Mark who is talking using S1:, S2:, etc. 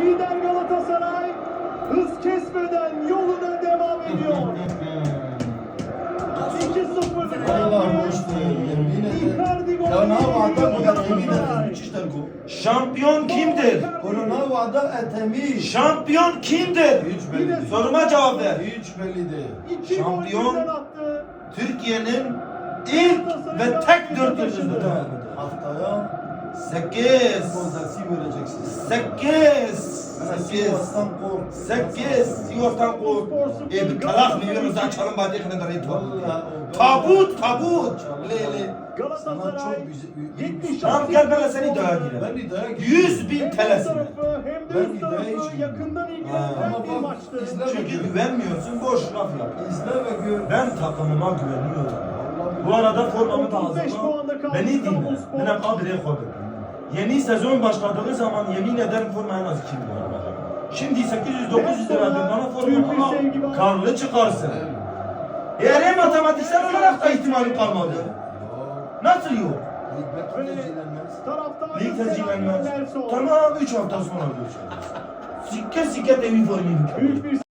S1: Lider Galatasaray hız kesmeden yoluna devam ediyor. 2-0'lık
S2: Allah hoştu. Yemin ederim.
S1: Icardi golü.
S2: Ya ne vada bu kadar yemin ederim. Müthişler bu.
S3: Şampiyon kimdir?
S2: Korona vada etemi.
S3: Şampiyon kimdir?
S2: Hiç belli değil.
S3: Soruma cevap ver.
S2: Hiç belli değil.
S1: 2 gol
S3: Şampiyon
S1: birden attı.
S3: Türkiye'nin ilk ve tek 4 yıldızıdır.
S2: Haftaya
S3: 8
S2: Kozasi vereceksiniz.
S3: 8
S2: Sivas'tan kork.
S3: 8 Sivas'tan kork. Bir kalak milyon açalım bari kadar et var.
S2: Vallahi o-
S3: Tabut tabut. Lele.
S2: Sana
S1: Galatasaray
S2: çok güzel.
S1: 70
S3: Tamam gel ben de seni iddiaya gireyim.
S2: Ben iddiaya gireyim.
S3: 100.000
S1: hem
S3: TL'sine.
S1: tarafı hem de
S2: Ben
S1: üst tarafı
S2: iddiaya hiç
S1: yakından
S2: Ha,
S1: ilgilendiren
S2: ama
S1: bir
S2: bak,
S1: maçtı.
S2: izle.
S3: Çünkü güvenmiyorsun boş laf yap.
S2: İzle ve gör.
S3: Ben takımıma güveniyorum. Bu arada formamı da
S1: 35
S3: hazırla.
S1: puanda kaldı
S3: Beni dinle.
S1: İstanbulspor.
S3: Ben hep abire koydum. Yeni sezon başladığı zaman yemin ederim forma en az 2 milyon alacağım. Şimdi 800-900 lira verdin bana forma ama karlı çıkarsın. Eğer hem matematiksel olarak da ihtimali kalmadı. Nasıl yok?
S2: Hikmet tecrübelenmez.
S1: Taraftarın
S3: Lig tercihlenmez.
S1: selamı Nelson.
S3: Tamam 3 hafta sonra görüşürüz. Sikke sikke evi formu.
S1: Büyük bir